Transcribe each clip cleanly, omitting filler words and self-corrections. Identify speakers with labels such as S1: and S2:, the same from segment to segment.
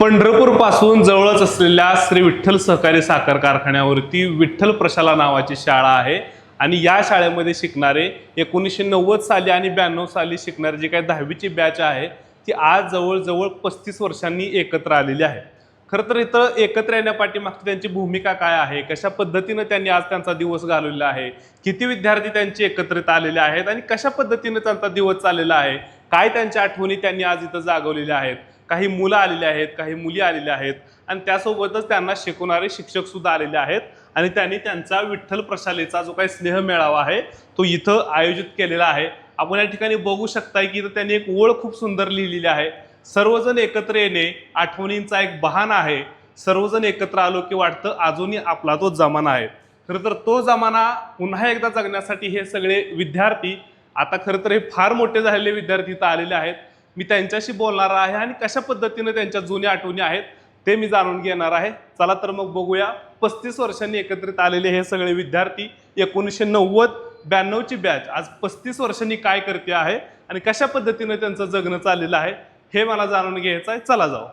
S1: पंढरपूर पासून जवळच असलेल्या श्री विठ्ठल सहकारी साखर कारखान्यावरती विठ्ठल प्रशाला नावाची शाळा आहे आणि या शाळेमध्ये शिकणारे 1990 साली आणि 92 साली शिकणारे जे काही 10वीची बॅच आहे ती आज जवळजवळ 35 वर्षांनी एकत्र आलेली आहे। खरं तर इथं एकत्र येण्यापाठीमागची त्यांची भूमिका काय आहे, कशा पद्धतीने त्यांनी आज त्यांचा दिवस घालवलेला आहे, किती विद्यार्थी त्यांचे एकत्रित आलेले आहेत आणि कशा पद्धतीने त्यांचा दिवस चाललेला आहे, काय त्यांच्या आठवणी त्यांनी आज इथं जागवलेल्या आहेत। काही मुलं आलेले आहेत, काही मुली आलेल्या आहेत आणि त्यासोबतच त्यांना शिकवणारे शिक्षक सुद्धा आलेले आहेत आणि त्यांनी त्यांचा विठ्ठल प्रशालेचा जो काही स्नेह मेळावा आहे तो इथं आयोजित केलेला आहे। आपण या ठिकाणी बघू शकता की इथं त्यांनी एक ओळ खूप सुंदर लिहिलेली आहे। सर्वजण एकत्र येणे आठवणींचा एक बहाणा आहे, सर्वजण एकत्र आलो की वाटतं अजूनही आपला तो जमाना आहे। खरं तर तो जमाना पुन्हा एकदा जगण्यासाठी हे सगळे विद्यार्थी, आता खरं तर हे फार मोठे झालेले विद्यार्थी इथं आलेले आहेत। मी त्यांच्याशी बोलणार आहे आणि कशा पद्धतीने त्यांच्या जुन्या आठवणी आहेत ते मी जाणून घेणार आहे। चला तर मग बघूया 35 वर्षांनी एकत्रित आलेले हे सगळे विद्यार्थी 1990-92 ची बॅच आज 35 वर्षांनी काय करते आहे आणि कशा पद्धतीने त्यांचं जगणं चाललेलं आहे हे मला जाणून घ्यायचं आहे। चला जाऊ।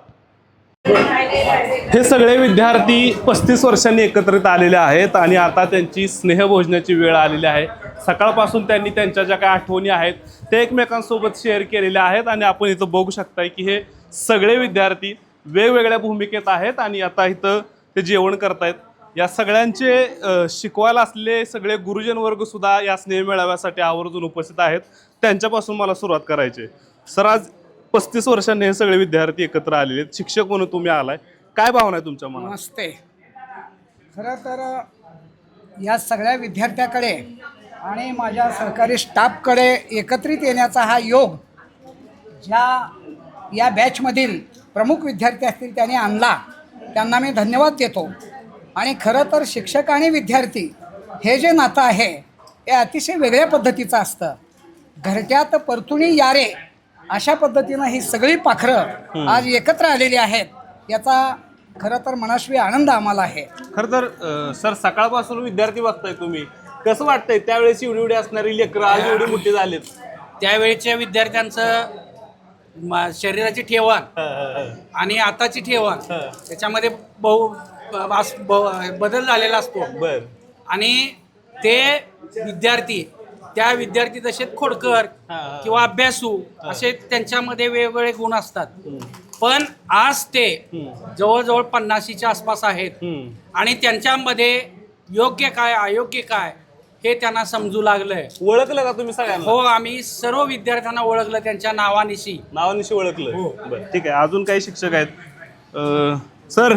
S1: हे सगळे विद्यार्थी 35 वर्षांनी एकत्रित आलेले आहेत आणि आता त्यांची स्नेहभोजनाची वेळ आलेली आहे। सकाळपासून त्यांनी त्यांच्या ज्या काही आठवणी आहेत ते एकमेकांसोबत शेअर केलेल्या आहेत आणि आपण इथं बघू शकताय की हे सगळे विद्यार्थी वेगवेगळ्या भूमिकेत आहेत आणि आता इथं ते जेवण करतायत। या सगळ्यांचे शिकवायला असलेले सगळे गुरुजन वर्ग सुद्धा या स्नेह मेळाव्यासाठी आवर्जून उपस्थित आहेत। त्यांच्यापासून मला सुरुवात करायची। सर, आज 35 वर्षांनी हे सगळे विद्यार्थी एकत्र आलेले आहेत, शिक्षक म्हणून तुम्ही आलाय, काय भावना आहे तुमच्या मनात?
S2: नमस्ते। खरं तर या सगळ्या विद्यार्थ्याकडे आणि माझ्या सहकारी स्टाफकडे एकत्रित येण्याचा हा योग या बॅचमधील प्रमुख विद्यार्थी असतील त्यांनी आणला, त्यांना मी धन्यवाद देतो। आणि खरं तर शिक्षक आणि विद्यार्थी हे जे नातं आहे हे अतिशय वेगळ्या पद्धतीचं असतं। घरट्यात परतुणी यारे अशा पद्धतीनं ही सगळी पाखरं आज एकत्र आलेली आहेत, याचा खरं तर मनस्वी आनंद आम्हाला आहे।
S1: खरं तर सर, सकाळपासून विद्यार्थी बघताय तुम्ही, कसं वाटतंय त्यावेळेस एवढी असणारी लेकरं आज एवढी मोठी झालीत?
S3: त्यावेळेच्या विद्यार्थ्यांचं शरीराची ठेवण आणि आताची ठेवण त्याच्यामध्ये बदल झालेला असतो।
S1: बर। आणि
S3: ते विद्यार्थी त्या विद्यार्थी जसे खोडकर किंवा अभ्यासू असे त्यांच्यामध्ये वेगवेगळे गुण असतात, पण आज ते जवळजवळ 50च्या आसपास आहेत आणि त्यांच्यामध्ये योग्य काय अयोग्य काय हे त्यांना समजू लागलंय।
S1: ओळखलं का तुम्ही सगळ्यांना?
S3: हो, आम्ही सर्व विद्यार्थ्यांना ओळखलं, त्यांच्या नावानिशी
S1: ओळखलं।
S3: हो।
S1: बरं, ठीक आहे। अजून काही शिक्षक आहेत? सर,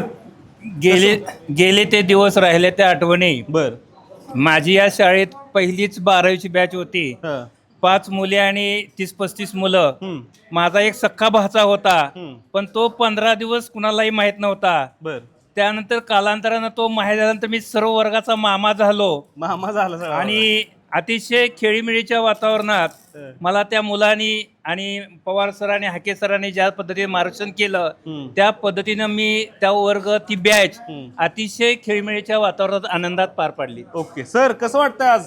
S4: गेले ते दिवस राहिले त्या आठवणी।
S1: बर।
S4: माझी या शाळेत पहिलीच 12वीची बॅच होती, 5 मुले आणि 30-35 मुलं। माझा एक सख्खा भाचा होता, पण तो 15 दिवस कुणालाही माहित नव्हता।
S1: बर।
S4: त्यानंतर कालांतरानं तो माहीत झाल्यानंतर मी सर्व वर्गाचा मामा झालो
S1: झाला
S4: आणि अतिशय खेळीमेळीच्या वातावरणात मला त्या मुलांनी आणि पवार सरांनी, हाके सरांनी ज्या पद्धतीने मार्गदर्शन केलं त्या पद्धतीनं मी त्या वर्ग ती बॅच अतिशय खेळीमेळीच्या वातावरणात आनंदात पार पाडली।
S1: ओके सर, कसं वाटतं आज?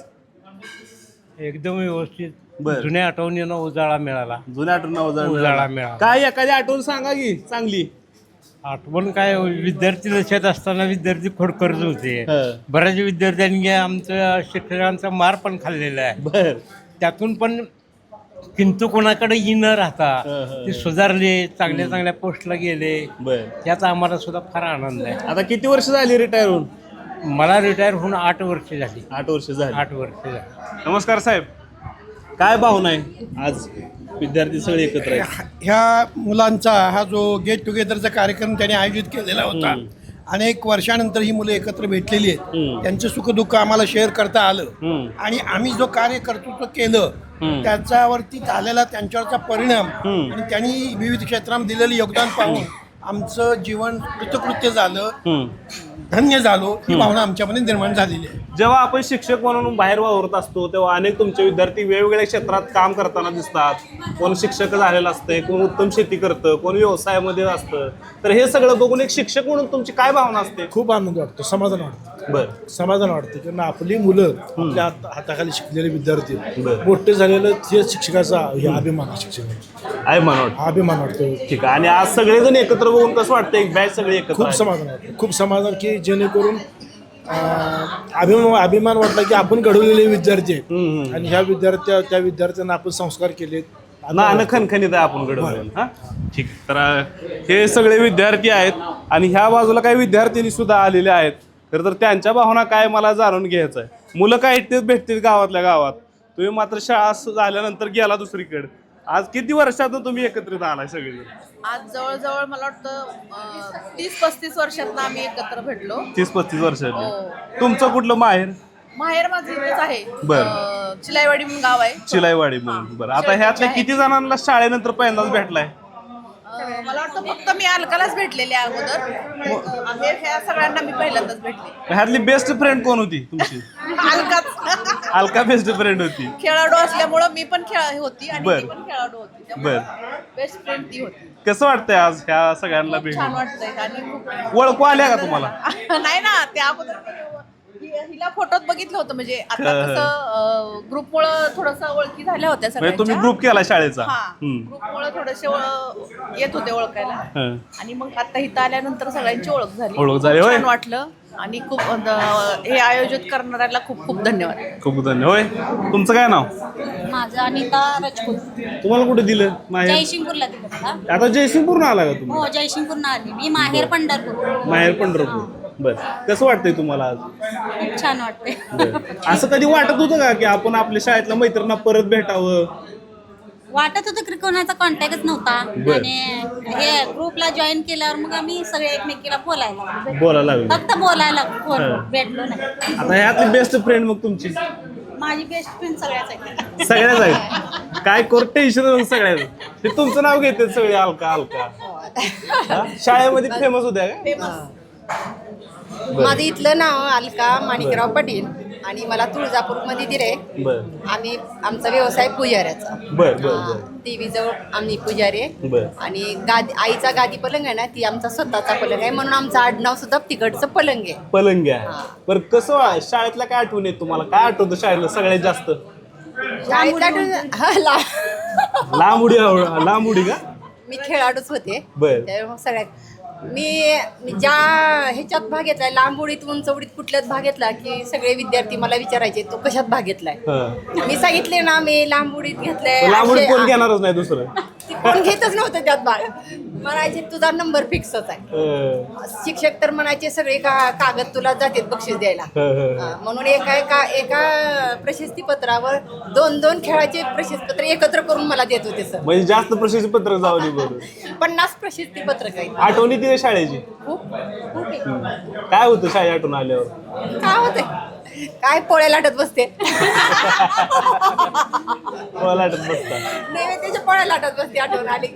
S5: एकदम व्यवस्थित।
S1: बरं।
S5: जुन्या आठवणींना उजाळा मिळाला।
S1: जुन्या आठवण
S5: उजाळा मिळाला।
S1: काय एखादी आठवण सांगा की चांगली।
S5: आठवण काय, विद्यार्थी दशेत असताना विद्यार्थी खोडकरच होते। बऱ्याच विद्यार्थ्यांनी आमच्या शिक्षकांचा मार पण खाल्लेला आहे।
S1: बर।
S5: त्यातून पण किंतु कोणाकडे न राहता ते सुधारले, चांगल्या चांगल्या पोस्टला गेले।
S1: बर।
S5: याचा आम्हाला सुद्धा फार आनंद आहे।
S1: आता किती वर्ष झाली रिटायर होऊन?
S5: मला रिटायर होऊन 8 वर्ष झाली।
S1: 8 वर्ष झाली।
S5: 8 वर्ष झाली।
S1: नमस्कार साहेब, काय भावना आहे आज विद्यार्थी सगळे एकत्र आहेत?
S6: ह्या मुलांचा हा जो गेट टुगेदरचा कार्यक्रम त्यांनी आयोजित केलेला होता, अनेक वर्षानंतर ही मुलं एकत्र भेटलेली आहेत, त्यांचं सुखदुःख आम्हाला शेअर करता आलं आणि आम्ही जो कार्य कर्तृत्व केलं त्याच्यावरती झालेला त्यांच्यावरचा परिणाम आणि त्यांनी विविध क्षेत्रामध्ये दिलेलं योगदान पाहून आमचं जीवन कृतकृत्य झालं, धन्य झालो, ही भावना आमच्यामध्ये निर्माण झालेली आहे।
S1: जेव्हा आपण शिक्षक म्हणून बाहेर वावरत असतो तेव्हा अनेक तुमचे विद्यार्थी वेगवेगळ्या क्षेत्रात काम करताना दिसतात. कोण शिक्षक झालेलं असतंय, कोण उत्तम शेती करतं, कोण व्यवसायामध्ये असतं. तर हे सगळं बघून एक शिक्षक म्हणून तुमची काय भावना असते?
S7: खूप आनंद वाटतो, समाधान वाटतं.
S1: बरं.
S7: समाधान वाटतं कारण आपली मुलं आपल्या हाताखाली शिकलेले विद्यार्थी
S1: बरं.
S7: मोठे झालेलं ते शिक्षकाचा हे अभिमान आहे. शिक्षक
S1: आहे म्हणून
S7: अभिमान वाटतो.
S1: ठीक आहे. आणि आज सगळेजण एकत्र बघून कसं वाटतं, एक बॅच सगळे एकत्र
S7: खूप
S1: आहे.
S7: समाधान वाटतं, खूप समाधान की जेणेकरून अभिमान वाटला की आपण घडवलेले विद्यार्थी आहेत आणि ह्या त्या विद्यार्थ्यांना आपण संस्कार केलेत.
S1: ना खणखणीत आहे आपण घडवून. हा ठीक आहे. तर हे सगळे विद्यार्थी आहेत आणि ह्या बाजूला काही विद्यार्थिनी सुद्धा आलेले आहेत. तर त्यांच्या भावना काय मला जाणून घ्यायचं आहे. मुलं काय इथेच भेटतील गावातल्या गावात, तुम्ही मात्र शाळा झाल्यानंतर गेला दुसरीकडे. आज किती वर्षातून तुम्ही एकत्रित आलाय सगळे?
S8: आज जवळजवळ मला वाटतं 30-35 वर्षातनं आम्ही एकत्र भेटलो.
S1: 30-35 वर्षाचे.
S8: हो.
S1: तुमचं कुठलं माहेर?
S8: माहेर माझं इथेच आहे.
S1: बरं.
S8: चिलाईवाडी म्हणून गाव आहे.
S1: चिलाईवाडी म्हणून. बरं. आता ह्यातल्या किती जणांना शाळेनंतर पहिल्यांदाच भेटलाय?
S8: मला वाटतं फक्त मी अलकालाच भेटलेले अगोदर. ह्या सगळ्यांना मी पहिल्यांदाच भेटले.
S1: ह्यातली बेस्ट फ्रेंड कोण होती तुमची?
S8: अलकाच
S1: अलका बेस्ट फ्रेंड होती.
S8: खेळाडू असल्यामुळं मी पण होती आणि
S1: बरं.
S8: ती पण खेळाडू होती.
S1: बरं.
S8: बेस्ट फ्रेंड ती होती.
S1: कसं वाटतंय आज ह्या सगळ्यांना
S8: खूप छान
S1: भेटून?
S8: वाटतंय आणि खूप
S1: ओळखू आल्या का तुम्हाला?
S8: नाही ना, त्या अगोदर हिला फोटोत बघितलं होतं. म्हणजे आता कसं ग्रुपमुळे थोडस ओळखी झाल्या होत्या
S1: म्हणजे तुम्ही
S8: सगळ्यांच्या.
S1: ग्रुप केला शाळेचा?
S8: ग्रुपमुळे थोडेसे येत होते ओळखायला.
S1: हं.
S8: आणि मग आता इथं आल्यानंतर सगळ्यांची ओळख झाली.
S1: ओळख झाली,
S8: खूप
S1: होय?
S8: छान वाटलं आणि खूप हे आयोजित करणाऱ्याला खूप खूप धन्यवाद.
S1: खूप धन्यवाद. होय, तुमचं काय नाव?
S9: माझं अनिता राजपूत.
S1: तुम्हाला कुठे दिलं माहेर?
S9: जयसिंगपूरला दिलं मला.
S1: आता जयसिंगपूरनं आला का तुम्ही?
S9: हो, जयसिंगपूरनं आली मी. माहेर पंढरपूर.
S1: माहेर पंढरपूर. बर. कसं वाटतंय तुम्हाला आज?
S9: खूप छान वाटते.
S1: बरं. असं कधी वाटत होतं का की आपण आपल्या शाळेतल्या मैत्रिणींना परत भेटावं?
S9: वाटत होतं की कोणाचा कॉन्टॅक्टच नव्हता
S1: बर.
S9: आणि हे ग्रुपला जॉईन केल्यावर मग आम्ही सगळे एकमेकीला बोलायला
S1: बोलायला लागलो.
S9: फक्त बोलायला
S1: हं.
S9: भेटलो नाही.
S1: आता ह्यातली बेस्ट फ्रेंड मग तुमची?
S9: माझी बेस्ट फ्रेंड सगळ्याच आहे.
S1: सगळ्याच आहेत. काय करू टेन्शन सगळ्याच. ते तुमचं नाव घेतात सगळे अलका अलका. हा? शाळेमध्ये फेमस होत्या का?
S10: माझं इथलं नाव अलका माणिकराव पाटील आणि मला तुळजापूरमध्ये दिले.
S1: बर
S10: आमचा व्यवसाय पुजाऱ्याचा.
S1: बर बर बर
S10: देवीजवळ आम्ही पुजारी आहे.
S1: बर.
S10: आणि आईचा गादी पलंग आहे ना, ती आमचा स्वतःचा पलंग आहे म्हणून आमचं आडनाव सुद्धा तिकडचं पलंग आहे.
S1: पलंग आहे. बरं, कसं शाळेतल्या काय आठवण येत तुम्हाला? काय आठवतं शाळेतलं सगळ्यात जास्त? लांब उडी का?
S10: मी खेळाडूच होते.
S1: बर.
S10: त्यामुळे सगळ्यात मी ज्या ह्याच्यात भाग घेतलाय, लांब उडीत उंच उडीत कुठल्याच भाग घेतला की सगळे विद्यार्थी मला विचारायचे तो कशात भाग घेतलाय. मी सांगितले ना मी लांब उडीत घेतलाय.
S1: लांब उडीत कोण घेणारच नाही दुसरं.
S10: कोण घेतच नव्हतं त्यात भाग. म्हणायचे तुझा नंबर फिक्सच आहे. शिक्षक तर म्हणायचे सगळे कागद तुला जातात बक्षीस द्यायला. म्हणून एका प्रशस्ती पत्रावर 2-2 खेळाचे प्रशस्ती पत्र एकत्र करून मला देत होते सर.
S1: म्हणजे जास्त प्रशस्ती पत्रक जावली. बरोबर.
S10: 50 प्रशस्ती पत्रक आहेत.
S1: आठवणी तिथे शाळेची
S10: खूप खूप आहे.
S1: काय होतं शाळे आठवण आल्यावर?
S10: काय होतंय काय पोळ्या लाटत बसते.
S1: लाटत बसता.
S10: नैवेद्याच्या पोळ्या लाटत बसते आठवण आली.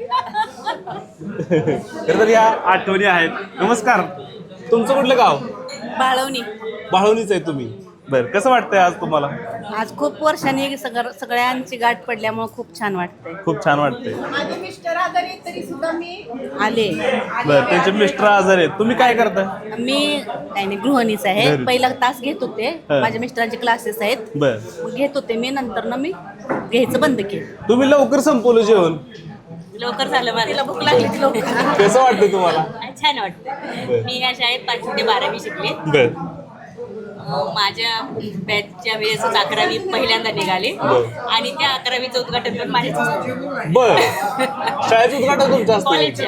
S1: तर या आठवणी आहेत. नमस्कार, तुमचं कुठलं गाव?
S9: बाळवणी.
S1: बाळवणीच आहे तुम्ही? बरं. कसं वाटतंय आज तुम्हाला?
S9: आज खूप वर्षांनी सगळ्यांची गाठ पडल्यामुळे खूप छान वाटतंय.
S1: खूप छान वाटतंय.
S10: माझे मिस्टर आजारी आहेत तरी सुद्धा मी
S9: आले.
S1: बरं. त्यांचे मिस्टर आजार आहेत. तुम्ही काय करता?
S9: मी काही नाही, गृहिणीच आहे.
S1: घरी.
S9: पहिला तास घेत होते.
S1: हं.
S9: माझ्या मिस्टरांचे क्लासेस आहेत.
S1: बरं.
S9: मग घेत होते मी. नंतर मी घ्यायचं बंद केलं.
S1: तुम्ही लवकर संपवलं जेवण?
S9: लवकर झालं माझ्या भूक लागली लवकर.
S1: कसं वाटतं तुम्हाला?
S9: छान वाटतं. मी या शाळेत 5वी ते 12वी शिकले.
S1: बरं.
S9: माझ्या बॅचच्या वेळेसच 11वी पहिल्यांदा निघाले आणि त्या 11वीचं उद्घाटन पण माझ्याच झालं.
S1: बर. शाळेचं उद्घाटन तुमचं असतं?
S9: कॉलेज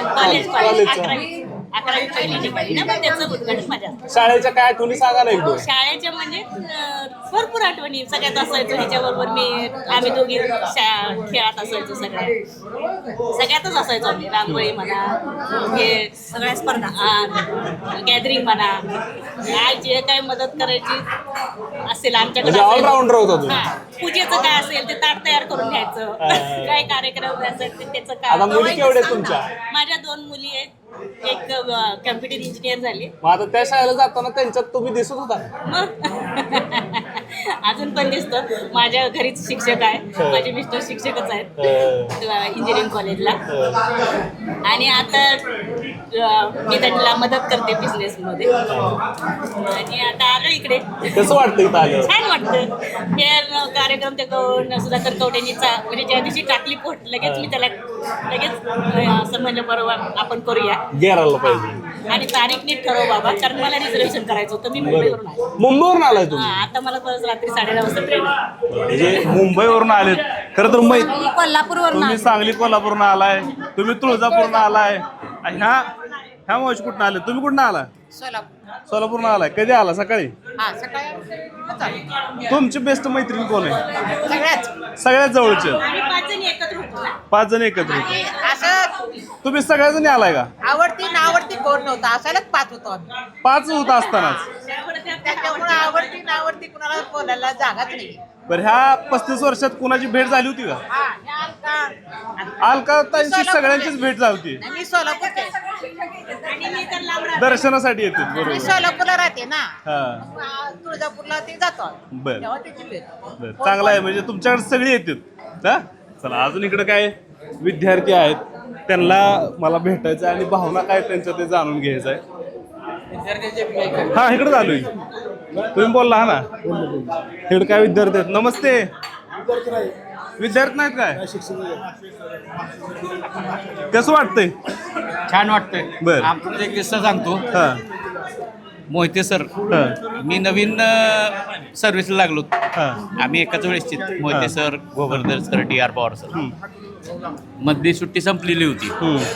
S9: 11वी पहिली निघाली ना, मग त्याचं उद्घाटन माझ्या.
S1: शाळेच्या काय आठवणी सांगा ना एकदम.
S9: शाळेच्या म्हणजे भरपूर आठवणी. सगळ्यात असायचो ह्याच्याबरोबर आम्ही दोघी खेळात असायचो. सगळ्यातच असायचो आम्ही. रांगोळी म्हणा, हे सगळ्या स्पर्धा, गॅदरिंग म्हणा, काय जे काय मदत करायची असेल आमच्याकडे.
S1: ऑलराऊंडर होता तुम्ही?
S9: पूजेचं काय असेल ते ताट तयार करून घ्यायचं. काय कार्यक्रम असेल ते त्याचं
S1: आता
S9: काम.
S1: मुली केवढ्या आहेत तुमच्या?
S9: माझ्या 2 मुली आहेत. एक कम्प्युटर इंजिनियर झाली.
S1: मग आता त्या शाळेला जाताना त्यांच्यात तुम्ही दिसत होता.
S9: मग अजून पण दिसतं. माझ्या घरीच शिक्षक आहे, माझे मिस्टर शिक्षकच आहेत इंजिनिअरिंग कॉलेजला. आणि आता मी त्यांना मदत करते बिझनेसमध्ये. आणि आता आलो इकडे.
S1: कसं वाटतं इथं आल्यावर?
S9: छान वाटतं. हे कार्यक्रम ते सुधाकर कवटेंनी म्हणजे ज्या दिवशी टाकली पोट लगेच मी त्याला असं म्हणलं बरोबर आपण करूया
S1: गेरायला पाहिजे.
S9: आणि तारीख नीट ठरव बाबा, कारण मला रिझर्वेशन करायचं होतं. मी मुंबईवरून आले.
S1: मुंबईवरून आलाय तुम्ही?
S9: आता मला परत रात्री 9:30 वाजता ट्रेन आहे.
S1: म्हणजे मुंबईवरून आलेत. खरं तर
S9: कोल्हापूरवरून
S1: तुम्ही सांगली कोल्हापूरनं आलाय, तुम्ही तुळजापूरनं आलाय. ह्या मावशी कुठनं आले? तुम्ही कुठनं आला? सोलापूरनं आलाय. कधी आला? सकाळी. तुमची बेस्ट मैत्रीण कोण आहे? सगळ्यात जवळचे.
S9: आणि 5 जणी एकत्र होतो ना.
S1: 5 जण एकत्र.
S8: असं
S1: तुम्ही सगळ्या जणी आलाय का?
S8: आवडती नावडती कोण नव्हतं, असायलाच 5 होतो आम्ही.
S1: 5 होत असतानाच.
S8: त्याच्यामुळे आवडती नावडती कुणाला बोलायला जागाच नाही.
S1: बरं, ह्या 35 वर्षात कुणाची भेट झाली होती का?
S8: हा, हे अलका.
S1: अलका ताईंची सगळ्यांचीच भेट झाली होती.
S8: मी सोलापूरचे.
S9: आणि मी तर लांब राहते.
S1: दर्शनासाठी येते.
S8: मी
S1: बरोबर.
S8: सोलापूरला राहते ना.
S1: हा,
S8: तुळजापूरला ते जातो आम्ही.
S1: बरं.
S8: तेव्हा त्याची भेट.
S1: बरं, चांगलं आहे. म्हणजे तुमच्याकडे सगळी येतात. हा, चला अजून इकडे काय विद्यार्थी आहेत, त्यांना मला भेटायचं आणि भावना काय त्यांच्या ते जाणून घ्यायचं आहे. हा, इकडे चालू आहे. तुम्ही बोलला हा ना. इकडे काय विद्यार्थी आहेत? नमस्ते. विद्यार्थी नाहीत काय? कसं वाटतंय?
S3: छान वाटतंय.
S1: बरं.
S3: आमचा एक किस्सा सांगतो.
S1: हा,
S3: मोहिते सर,
S1: हा,
S3: मी नवीन सर्व्हिसला लागलो.
S1: हा.
S3: आम्ही एकाच वेळेस Mohite sir, Govardhan sir, DR Pawar sir. मधली सुट्टी संपलेली होती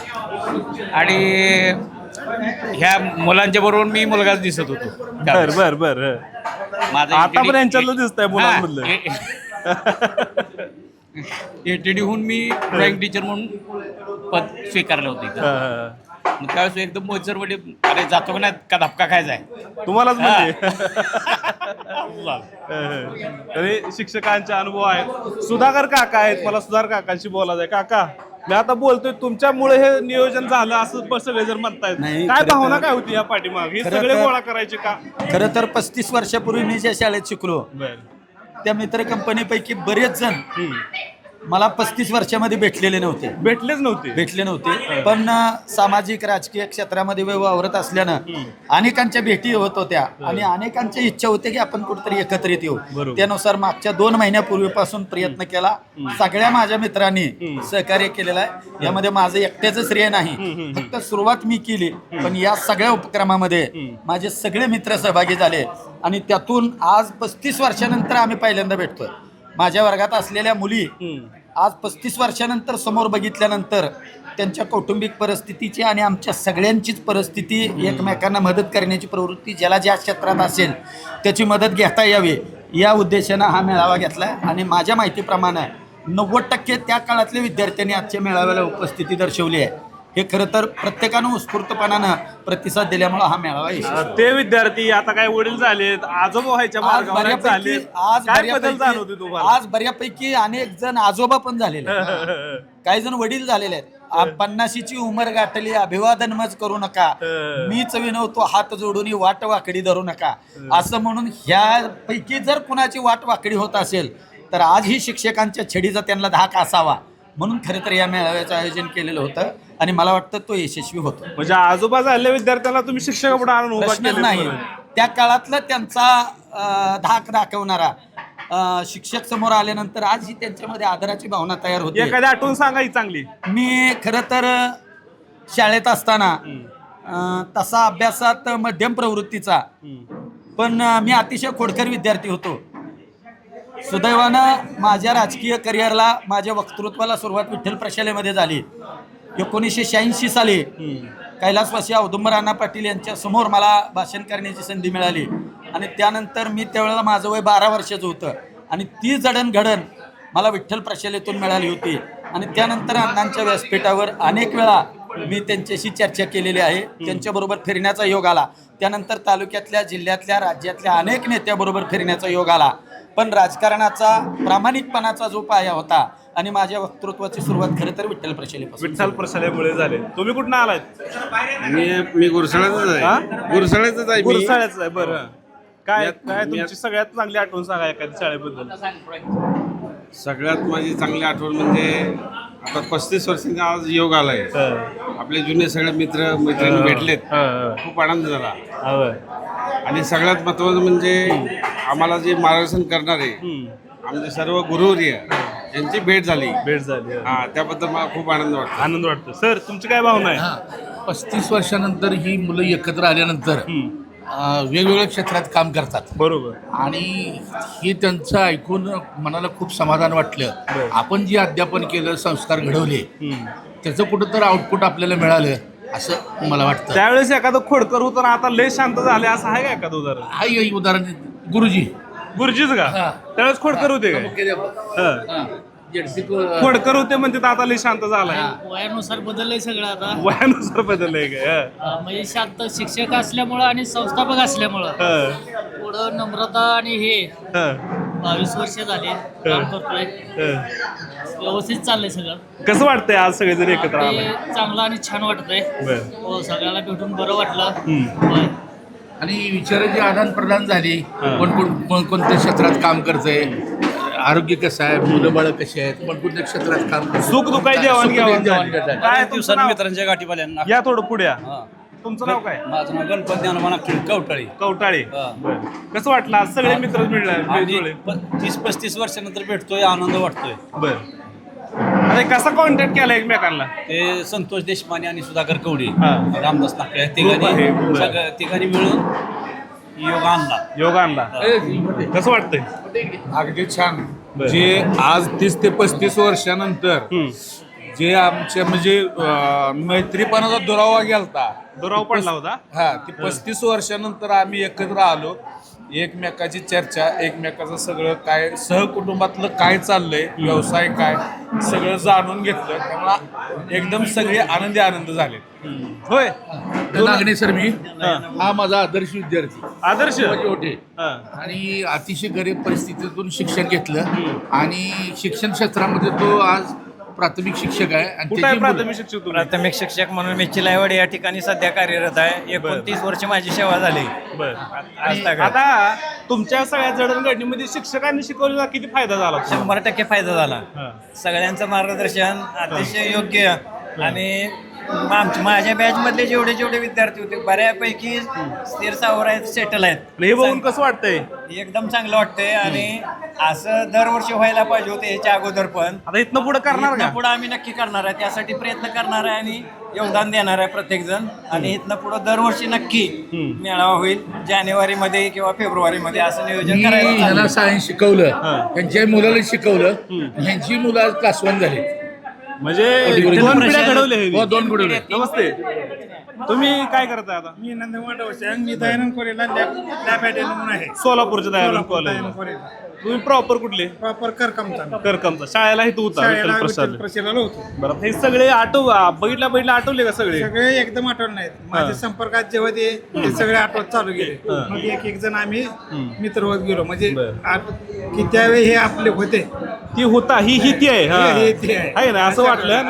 S3: आणि ह्या मुलांच्या बरोबर मी मुलगाच दिसत होतो.
S1: बर बर बर.
S3: माझं
S1: आता पण यांच्यातलं दिसतंय मुलांमधलं.
S3: ATD मी ड्रॉइंग टीचर म्हणून पद स्वीकारलं होतं इथं.
S1: हा,
S3: मग त्यावेळेस एकदम मोहित सर म्हणजे अरे जातो का नाही का धपका खायचा आहे.
S1: तुम्हालाच म्हणजे. अरे शिक्षकांचे अनुभव आहेत. सुधाकर काका आहेत, मला सुधाकर काकांशी बोलायचं आहे. काका, मी आता बोलतोय तुमच्यामुळे हे नियोजन झालं असं सगळे जर म्हणतायत. काय भावना काय होती या पाठीमाग? हे सगळे गोळा करायचे का?
S11: खरं तर 35 वर्षापूर्वी मी ज्या शाळेत शिकलो
S1: बर.
S11: त्या मित्र कंपनीपैकी बरेच जण मला 35 वर्षामध्ये भेटलेले नव्हते. भेटले नव्हते. पण सामाजिक राजकीय क्षेत्रामध्ये वावरत असल्यानं अनेकांच्या भेटी होत होत्या आणि अनेकांच्या इच्छा होत्या की आपण कुठेतरी एकत्रित येऊ. त्यानुसार मागच्या 2 महिन्यापूर्वीपासून प्रयत्न केला. सगळ्या माझ्या मित्रांनी सहकार्य केलेलं आहे. यामध्ये माझं एकट्याचं श्रेय नाही, फक्त सुरुवात मी केली. पण या सगळ्या उपक्रमामध्ये माझे सगळे मित्र सहभागी झाले आणि त्यातून आज 35 वर्षानंतर आम्ही पहिल्यांदा भेटतोय. माझ्या वर्गात असलेल्या मुली आज 35 वर्षानंतर समोर बघितल्यानंतर त्यांच्या कौटुंबिक परिस्थितीची आणि आमच्या सगळ्यांचीच परिस्थिती एकमेकांना मदत करण्याची प्रवृत्ती ज्याला ज्या क्षेत्रात असेल त्याची मदत घेता यावी या उद्देशानं हा मेळावा घेतला आहे. आणि माझ्या माहितीप्रमाणे 90% त्या काळातल्या विद्यार्थ्यांनी आजच्या मेळाव्याला उपस्थिती दर्शवली आहे. हे खरं तर प्रत्येकानं उत्स्फूर्तपणानं प्रतिसाद दिल्यामुळे हा मेळावा यशस्वी.
S1: ते विद्यार्थी आता काय वडील झालेत, आजोबा व्हायच्या मार्गावर झाले. काय बदल जाणवते तुम्हाला?
S11: आज बऱ्यापैकी अनेक जण आजोबा पण झालेले आहेत. काही जण वडील झालेले आहेत. 50ची उमर गाठली, अभिवादन मज करू नका, मीच विनवतो हात जोडून वाट वाकडी धरू नका, असं म्हणून ह्यापैकी जर कुणाची वाट वाकडी होत असेल तर आज ही शिक्षकांच्या छडीचा त्यांना धाक असावा म्हणून खरं तर या मेळाव्याचं आयोजन केलेलं होतं आणि मला वाटतं तो यशस्वी होतो.
S1: म्हणजे आजोबा झालेल्या विद्यार्थ्यांना तुम्ही शिक्षकापुढे आणून उभा
S11: प्रश्नच
S1: केले.
S11: नाही. त्या काळातला त्यांचा धाक दाखवणारा शिक्षक समोर आल्यानंतर आज ही त्यांच्यामध्ये आदराची भावना तयार होते.
S1: एखादी आठवण सांगायची चांगली.
S11: मी खरं तर शाळेत असताना तसा अभ्यासात मध्यम प्रवृत्तीचा, पण मी अतिशय खोडकर विद्यार्थी होतो. सुदैवानं माझ्या राजकीय करिअरला, माझ्या वक्तृत्वाला सुरुवात विठ्ठल प्रशालेमध्ये झाली. 1986 साली कैलासवासी औदुंबर अण्णा पाटील यांच्या समोर मला भाषण करण्याची संधी मिळाली आणि त्यानंतर मी त्यावेळेला माझं वय 12 वर्षाचं होतं आणि ती जडणघडण मला विठ्ठल प्रशालेतून मिळाली होती. आणि त्यानंतर अण्णांच्या व्यासपीठावर अनेक वेळा मी त्यांच्याशी चर्चा केलेली आहे. त्यांच्याबरोबर फिरण्याचा योग आला. त्यानंतर तालुक्यातल्या, जिल्ह्यातल्या, राज्यातल्या अनेक नेत्याबरोबर फिरण्याचा योग आला. पण राजकारणाचा प्रामाणिकपणाचा जो पाया होता आणि माझ्या वक्तृत्वाची सुरुवात खरं तर विठ्ठल प्रशालेपासून.
S1: विठ्ठल प्रशालेमुळे झाले. तुम्ही कुठनं आलात?
S12: मी गुरसाळ्याचाच आहे. गुरसाळ्याचाच आहे.
S1: गुरसाळ्याचं आहे. बरं, काय काय तुमची सगळ्यात चांगली आठवण सांगा एखाद्या शाळेबद्दल.
S12: सगळ्यात माझी चांगली आठवण म्हणजे आता 35 वर्षांचा आज योग आलाय. आपले जुने सगळे मित्र मैत्रिणी भेटलेत. खूप आनंद झाला. आणि सगळ्यात महत्वाचं म्हणजे आम्हाला जे मार्गदर्शन करणारे आमचे सर्व गुरुवर्य यांची भेट झाली. हा, त्याबद्दल मला खूप आनंद वाटतो. सर, तुमची काय भावना आहे?
S13: 35 वर्षानंतर ही मुलं एकत्र आल्यानंतर वेगवेगळ्या क्षेत्रात काम करतात.
S1: बरोबर.
S13: आणि हे त्यांचं ऐकून मनाला खूप समाधान वाटलं. आपण जे अध्यापन केलं, संस्कार घडवले, त्याचं कुठं तर आउटपुट आपल्याला मिळालं असं मला वाटतं.
S1: त्यावेळेस एखादं खोडकर होतं ना, आता लय शांत झाले असं आहे का एखादं उदाहरण?
S13: हाही उदाहरण गुरुजीच
S1: का? त्यावेळेस खोडकर होते का? खोडकर होते म्हणते तर आता लय शांत झालाय.
S14: वयानुसार बदललंय सगळं आता.
S1: वयानुसार बदललंय काय?
S14: म्हणजे शांत शिक्षक असल्यामुळं आणि संस्थापक असल्यामुळं पुढं नम्रता आणि हे 22 वर्ष झाले काम करतोय. व्यवस्थित चाललंय सगळं.
S1: कसं वाटतंय आज सगळेजण एकत्र आले?
S14: चांगलं आणि छान वाटतंय. हो, सगळ्याला भेटून बरं वाटलं.
S13: आणि विचाराची आदान प्रदान झाली. कोणत्या क्षेत्रात काम करतंय, आरोग्य कसं आहे, मुलं बाळ कशी आहेत, कोणत्या क्षेत्रात काम करतात,
S1: सुख दुःखाची देवाणघेवाण काय
S4: दिवसांनी मित्रांच्या गाठी पाल्यानं.
S1: या थोडं पुढे. तुमचं नाव काय?
S4: माझं नाव गणपती ज्ञानोबा कवटाळे.
S1: कवटाळे. कसं वाटलं आज सगळे मित्र मिळाले?
S4: 30-35 वर्षानंतर भेटतोय, आनंद वाटतोय.
S1: बरं. अरे कसा कॉन्टॅक्ट केला एकमेकांना?
S4: ते संतोष देशपांडे आणि सुधाकर कवडे, रामदास नाकळे तिघांनी मिळून योग आणला. कसं वाटतंय?
S15: अगदी छान. जे आज 30 ते 35 वर्षानंतर जे आमच्या म्हणजे मैत्रीपणाचा दुरावा गेलता,
S1: दुरावा पडला होता.
S15: हा, ते 35 वर्षानंतर आम्ही एकत्र आलो. एकमेकाची चर्चा, एकमेकाचं सगळं काय सहकुटुंबातलं काय चाललंय, व्यवसाय काय, सगळं जाणून घेतलं. त्यामुळे एकदम सगळे आनंद झाले.
S1: होय.
S13: नागणे सर, मी हा माझा आदर्श विद्यार्थी.
S1: आदर्श
S13: होते आणि अतिशय गरीब परिस्थितीतून शिक्षण घेतलं आणि शिक्षण क्षेत्रामध्ये तो आज प्राथमिक शिक्षक आहे. आणि
S4: प्राथमिक शिक्षक म्हणून मी चिलाईवाड या ठिकाणी सध्या कार्यरत आहे. 29 वर्ष माझी सेवा झाली.
S1: आता तुमच्या सगळ्या जडणघडणीमध्ये शिक्षकांनी शिकवलेला किती फायदा झाला?
S4: 100% फायदा झाला. सगळ्यांचं मार्गदर्शन अतिशय योग्य. आणि माझ्या बॅच मधले जेवढे विद्यार्थी होते बऱ्यापैकी स्थिर सावर आहेत, सेटल आहेत.
S1: हे बघून कसं वाटतंय?
S4: एकदम चांगलं वाटतंय. आणि असं दरवर्षी व्हायला पाहिजे होते ह्याच्या अगोदर. पण
S1: आता इथनं पुढे करणार का?
S4: पुढे आम्ही नक्की करणार आहे. त्यासाठी प्रयत्न करणार आहे आणि योगदान देणार आहे प्रत्येक जण. आणि इथनं पुढे दरवर्षी नक्की मेळावा होईल जानेवारीमध्ये किंवा फेब्रुवारीमध्ये, असं नियोजन करायचं.
S13: ह्याला सायन्स शिकवलं, त्यांच्या मुलाला शिकवलं, ह्यांची मुलं आज क्लास 1 झाली.
S1: म्हणजे 2 पिढ्या घडवले.
S13: 2 घडवले.
S1: नमस्ते. तुम्ही काय करताय आता?
S6: मी नंदवाड मी दयानंद कॉलेजला लॅब म्हणून आहे.
S1: सोलापूरच्या दयानंद कॉलेज. तुम्ही प्रॉपर कुठले?
S6: प्रॉपर
S1: करकमचा. शाळेला इथं होता विठ्ठल प्रशालेला
S6: होतो.
S1: बरं, हे सगळे बघितलं आठवले का सगळे?
S6: सगळे एकदम आठवण नाहीत. माझ्या संपर्कात जेव्हा ते सगळे आठवत चालू गेले, मग एक जण आम्ही मित्र होत गेलो. म्हणजे की त्यावेळी हे आपले होते,
S1: ती होता ही ती आहे ना, असं वाटलं.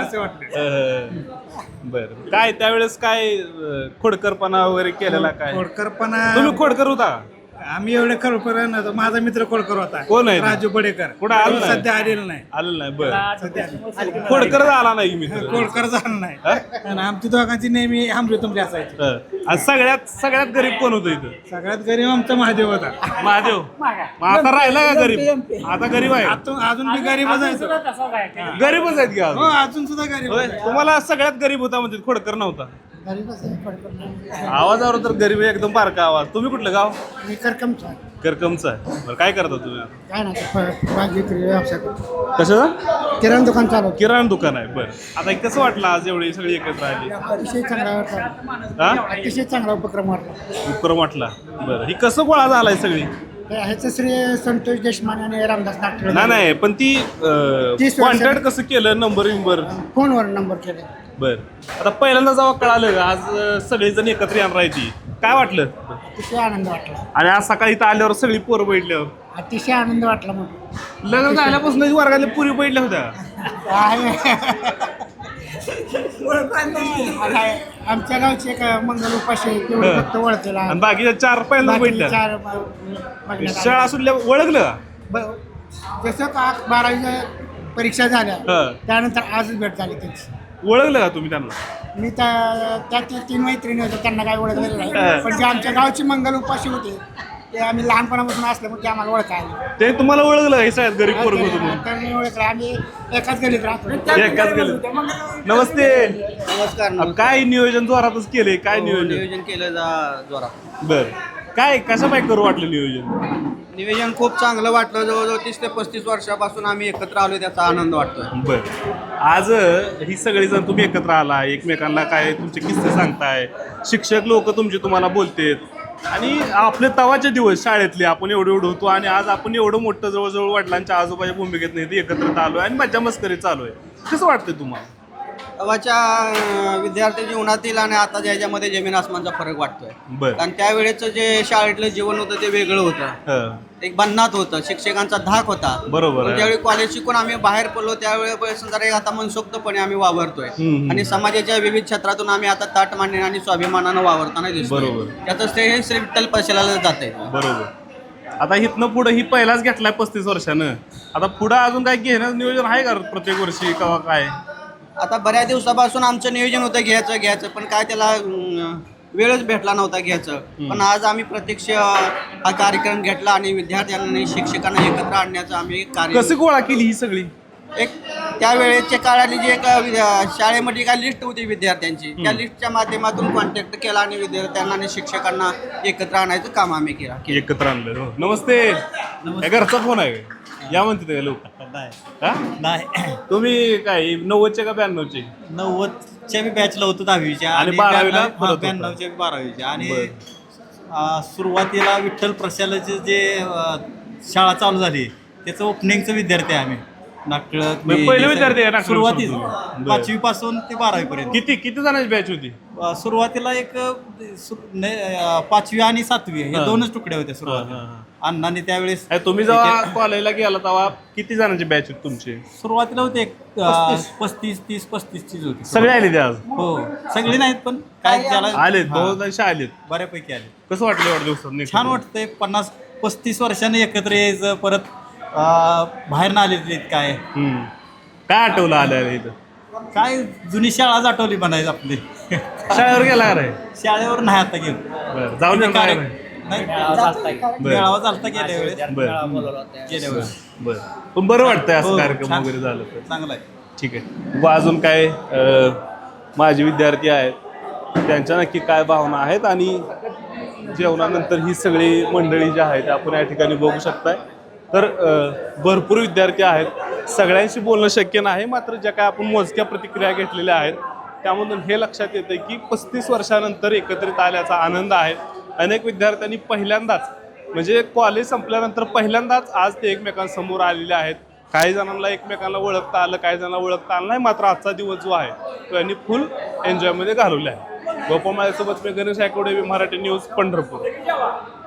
S1: बरं, काय त्यावेळेस काय खोडकरपणा वगैरे केलेला? काय
S6: खोडकरपणा?
S1: तुम्ही खोडकर होता?
S6: आम्ही एवढे खोडकर नव्हतो. माझा मित्र खोडकर होता.
S1: कोण आहे?
S6: राजू बडेकर.
S1: कुठं आलं?
S6: सध्या आलेलं नाही.
S1: आलं नाही. बरं, खोडकर आला नाही मी.
S6: खोडकर झालं नाही. आणि आमची दोघांची नेहमी आमरी तुमची असायची.
S1: सगळ्यात गरीब कोण होतं इथं?
S6: सगळ्यात गरीब आमचा महादेव होता.
S1: महादेव आता राहिला का गरीब? आता गरीब आहे.
S6: अजून बी गरीबच आहे.
S1: गरीबच आहेत का?
S6: हो, अजून सुद्धा गरीब.
S1: तुम्हाला सगळ्यात गरीब होता म्हणजे खोडकर नव्हता? आवाजावर तर गरीब एकदम बारका आवाज. तुम्ही कुठलं गाव?
S6: मी करकमचा.
S1: करकमचा आहे. बरं, काय करता तुम्ही आता?
S6: काय नाही, व्यवसाय करतो.
S1: कसं?
S6: किराणा दुकान चालू.
S1: किराणा दुकान आहे. बरं, आता कसं वाटलं आज एवढी सगळी एकत्र आली?
S6: अतिशय चांगला वाटला. अतिशय चांगला उपक्रम
S1: वाटला. बरं, ही कसं गोळा झालाय सगळी?
S6: ह्याचं श्री संतोष देशमाने आणि रामदास नागठळे.
S1: नाही, पण ती कॉन्टॅक्ट कसं केलं? नंबर
S6: फोनवर नंबर केले.
S1: बर, आता पहिल्यांदा जेव्हा कळालं आज सगळेजण एकत्र येणार आहे ती, काय वाटलं
S14: अतिशय आनंद वाटला.
S1: आणि आज सकाळी इथं आल्यावर सगळी पोरं बैठल्यावर
S14: अतिशय आनंद वाटला मग.
S1: लग्न झाल्यापासून वर्गातल्या पुरी बैठल्या होत्या.
S14: आमच्या गावचे एक मंगल उपाशी आहे, तेवढे फक्त ओळखलेला.
S1: आणि बाकीच्या 4 पहिल्यांदा बैठल्या. शाळा सुटल्या ओळखलं का?
S14: जसं का 12वी परीक्षा झाल्या त्यानंतर आजच भेट झाली त्यांची.
S1: ओळखलं का तुम्ही त्यांना?
S14: मी त्या 3 मैत्रिणी होत्या, त्यांना काय ओळखलेलं नाही, पण जे आमच्या गावची मंगल उपाशी होते ते आम्ही लहानपणापासून असल्यामुळे ते आम्हाला ओळखायला.
S1: ते तुम्हाला ओळखलं हे सगळ्यात गरीब पोरग होतं म्हणून?
S14: तर मी ओळखलं, आम्ही एकाच गलीत राहतो.
S1: एकाच गलीत. नमस्ते.
S16: नमस्कार.
S1: काय नियोजन जोरातच केलंय? काय
S16: नियोजन केलं जोरात.
S1: बर, काय कसं काय करू वाटलं नियोजन?
S16: नियोजन खूप चांगलं वाटलं. जवळजवळ 30 ते 35 वर्षापासून आम्ही एकत्र आलो, त्याचा आनंद वाटतोय.
S1: बर, आज ही सगळी जण तुम्ही एकत्र आला, एकमेकांना काय तुमचे किस्से सांगताय, शिक्षक लोक तुमचे तुम्हाला बोलतेत, आणि आपले तवाचे दिवस शाळेतले आपण एवढं होतो, आणि आज आपण एवढं मोठं जवळजवळ वडिलांच्या आजोबाच्या भूमिकेत नाही एकत्र आलो आहे आणि मज्जा मस्करी चालू आहे. कसं वाटतंय तुम्हाला?
S16: तेव्हाच्या विद्यार्थी जीवनातील आणि आता ह्याच्यामध्ये जमीन आसमानचा फरक वाटतोय.
S1: बर.
S16: कारण त्यावेळेचं जे शाळेतलं जीवन होतं ते वेगळं होतं, एक बंधनात होतं, शिक्षकांचा धाक होता.
S1: बरोबर आहे.
S16: ज्यावेळी कॉलेज शिकून आम्ही बाहेर पडलो त्यावेळी जरा आता मनसोक्तपणे आम्ही वावरतोय आणि समाजाच्या विविध क्षेत्रातून आम्ही आता ताट मांडणे आणि स्वाभिमानानं वावरताना दिसतो.
S1: बरोबर.
S16: त्याचं श्रेय श्री विठ्ठल प्रशालाला जाते.
S1: बरोबर. आता इथनं पुढं ही पहिलाच घेतलाय 35 वर्षानं, आता पुढं अजून काय घेण्याचं नियोजन आहे का प्रत्येक वर्षी किंवा काय?
S16: आता बऱ्याच दिवसापासून आमचं नियोजन होतं घ्यायचं, पण काय त्याला वेळच भेटला नव्हता घ्यायचं. पण आज आम्ही प्रत्यक्ष हा कार्यक्रम घेतला आणि विद्यार्थ्यांना शिक्षकांना एकत्र आणण्याचं आम्ही कार्य.
S1: कशी गोळा केली ही सगळी?
S16: एक त्यावेळेच्या काळातली जी एक शाळेमध्ये काय लिस्ट होती विद्यार्थ्यांची, त्या लिस्टच्या माध्यमातून कॉन्टॅक्ट केला आणि विद्यार्थ्यांना आणि शिक्षकांना एकत्र आणायचं काम आम्ही केलं.
S1: एकत्र आणलं. हो. नमस्ते. घरचा फोन आहे या म्हणते ते लोक?
S17: नाही.
S1: तुम्ही काय 90चे का 92चे?
S17: 90च्या मी बॅचला होतो 10वीच्या
S1: आणि 12वीला
S17: 92च्या 12वीच्या. आणि सुरुवातीला विठ्ठल प्रशालाचे जे शाळा चालू झाली त्याचं ओपनिंगचं विद्यार्थी आहे आम्ही.
S1: पहिले विद्यार्थी आहे नागपूर
S17: सुरुवातीला 5वी पासून ते 12वी पर्यंत.
S1: किती जणांची बॅच होती
S17: सुरुवातीला? एक 5वी आणि 7वी हे 2च तुकडे होते सुरुवातीला. अण्णांनी त्यावेळेस.
S1: तुम्ही जेव्हा कॉलेजला गेला तेव्हा किती जणांची बॅच होती तुमची?
S17: सुरुवातीला होते एक 35-30-35 होती.
S1: सगळे आले ते आज?
S17: हो, सगळे नाहीत पण काय ज्याला
S1: आलेत, बहुतांश आलेत.
S17: बऱ्यापैकी आले.
S1: कसं वाटलं एवढ्या दिवसात?
S17: छान वाटतंय. 50-35 वर्षांनी एकत्र यायचं, परत बाहेर ना आलेले काय
S1: काय आठवलं आलं इथं?
S17: काय जुनी शाळाच आठवली म्हणायचं आपली.
S1: शाळेवर गेला का रे?
S17: शाळेवर नाही आता गेलो.
S1: जाऊन
S17: मेळावा चालता गेल्या वेळेस.
S1: बरं, पण बरं वाटतंय असं कार्यक्रम वगैरे झालं तर?
S17: चांगलं आहे.
S1: ठीक आहे. अजून काय माझे विद्यार्थी आहेत त्यांच्या नक्की काय भावना आहेत, आणि जेवणानंतर ही सगळी मंडळी जी आहेत आपण या ठिकाणी बघू शकताय. तर भरपूर विद्यार्थी आहेत, सगळ्यांशी बोलणं शक्य नाही, मात्र ज्या काय आपण मोजक्या प्रतिक्रिया घेतलेल्या आहेत त्यामधून हे लक्षात येतं की 35 वर्षानंतर एकत्रित आल्याचा आनंद आहे. अनेक विद्यार्थ्यांनी पहिल्यांदाच, म्हणजे कॉलेज संपल्यानंतर पहिल्यांदाच आज ते एकमेकांसमोर आलेले आहेत. काही जणांना एकमेकांना ओळखता आलं, काही जणांना ओळखता आलं नाही, मात्र आजचा दिवस जो आहे तो यांनी फुल एन्जॉयमध्ये घालवला आहे. गोपाळ माझ्यासोबत मी गणेश आयकोडे, मराठी न्यूज, पंढरपूर.